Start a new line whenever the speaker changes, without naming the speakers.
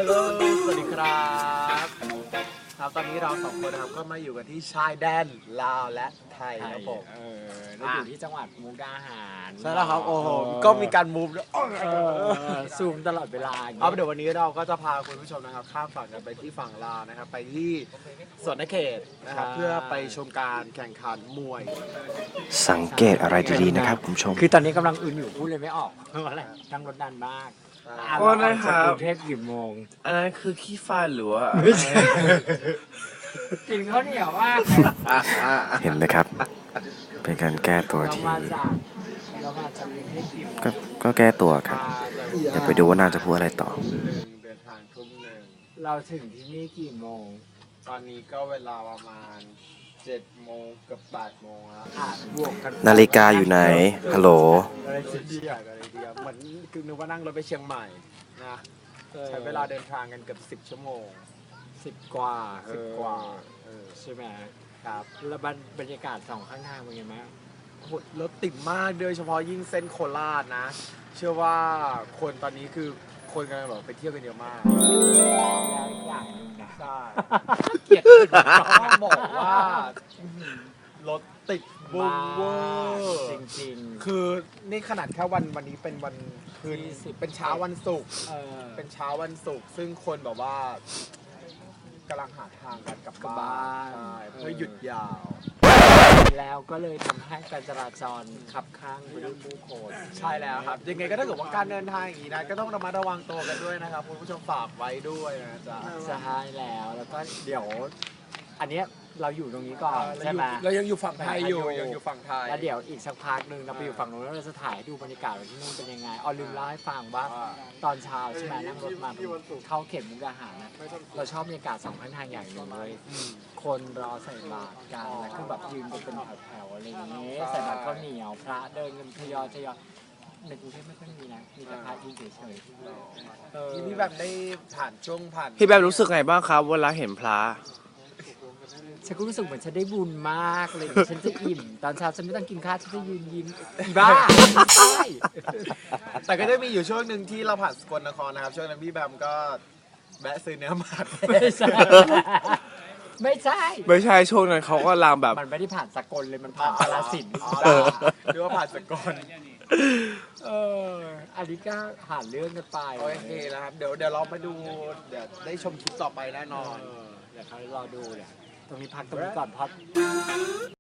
ฮัลโหลสวัสดีครับครับตอนนี้เราสองคนนะครับก็มาอยู่กันที่ชายแดนลาวและไทยครับผม
เราอยู่ที่จังหวัดมุกดาหาร
ใช่แล้วครับโอ้โหก็มีการมูฟด้วย
ซูมตลอดเวลา
เอาเดี๋ยววันนี้เราก็จะพาคุณผู้ชมนะครับข้ามฝั่งกันไปที่ฝั่งลาวนะครับไปที่สวนนเขตนะครับเพื่อไปชมการแข่งขันมวย
สังเกตอะไรดีๆนะครับคุณผู้ชม
คือตอนนี้กำลังอึนอยู่พูดเลยไม่ออกเพราะอะไรนั่งรถดันมาก
โอ้นะครับ
กรุงเทพกี่โมง
อันนั้นคือขี้ฟ้าหรือว่า
กินข้าวเหนียวว่า
เห็นไหมครับ เป็นการแก้ตัว
เรา
ที่
มาจากกรุงเทพกี่โมง
ก็แก้ตัวครับเดี๋ยวไปดูว่าน่าจะพูดอะไรต่อ
เดินทางทุ่มหนึ่ง
เราถึงที่นี่กี่โมง
ตอนนี้ก็เวลาประมาณ7 โมงกับ8 โมงแล้ว
บวกกัน
นาฬิกาอยู่ไหนฮัลโหล
อะไรคิดดีอะไรดีเหมือนคือนึกว่านั่งรถไปเชียงใหม่นะใช้เวลาเดินทางกันเกือบ10 ชั่วโมง
10 กว่า
10 กว่า
ใช่ไหม
ครับ
แล้วบรรยากาศสองข้างทางเป็นไงบ้าง
โอ้โหรถติดมากโดยเฉพาะยิ่งเส้นโคราชนะ เชื่อว่าคนตอนนี้คือคนกำลังแบบไปเที่ยวกันเยอะมาก
แล้วอีกอย่างหนึงนะ
ใช่
เกลียดขึ้น
ต้องบอกว่ารถติดบุ้งเวอร์
จริง
คือนี่ขนาดแค่วันนี้เป็นวันคืน
20
เป็นเช้าวันศุกร์
ๆ
เป็นเช้าวันศุกร์ซึ่งคนแบบว่ากำลังหาทางกันกลับบ้านใช่เพื่อหยุดยาว
แล้วก็เลยทำให้การจราจรขับข้างไปด้วยผู้คน
ใช่แล้วครับ ยังไงก็ถ้าเกิดว่าการเดินทางอย่างนี้นะก็ต้องระมัดระวังตัวกันด้วยนะครับคุณผู้ชมฝากไว้ด้วยนะจ๊ะ
ใช่แล้วก็เดี๋ยว อันเนี้ยเราอยู่ตรงนี้ก่อนใช่ไหม
เรายังอยู่ฝั่งไทยอยู่ยังอยู่ฝั่งไทย
แล้วเดี๋ยวอีกสักพักหนึ่งเราไปอยู่ฝั่งนู้นแล้วเราจะถ่ายให้ดูบรรยากาศว่าที่นู่นเป็นยังไงอ๋อลืมเล่าให้ฟังว่าตอนเช้าใช่ไหมนั่งรถมาเข้าเขตมุกดาหารนะเราชอบบรรยากาศสองข้างทางอย่างหนึ่งเลยคนรอใส่บาตรกันแล้วคือแบบยืนกันเป็นแถวๆอะไรอย่างเงี้ยใส่บาตรข้าวเหนียวพระเดินกันทยอยในกรุงเทพไม่ค่อยมีนะมีแต่พระยืนเฉยๆ
ที่พี่แบบได้ผ่านช่วงผ่าน
พี่แบบรู้สึกไงบ้างครับเวลาเห็นพระ
ฉันก็รู้สึกเหมือนฉันได้บุญมากเลยฉันจะอิ่ม ตอนเช้าฉันไม่ต้องกินข้าวฉันจะยืนยิ้มอีบ้าไม่ใช่
แต่ก็จะมีอยู่ช่วงหนึ่งที่เราผ่านสกลนครนะครับช่วงนั้นพี่แบมก็แวะซื้อเนื้อหมา
ไม่ใช่ไม่ใช่
ไม่ใช่ช่วงนั้นเขาก็ลามแบบ
มันไม่ได้ผ่านสกลเลยมันผ่านกาฬสินธุ์
อ๋อหรือว่าผ่านสกล
เอออันนี้ก็ผ่านเรื่องกันไป
โอเคนะครับเดี๋ยวเราไปดูเดี๋ยวได้ชมคลิปต่อไปแน่นอน
เดี๋ยวเขารอดูเนี่ยตรงนี้พักตรงนี้ก่อนเพราะ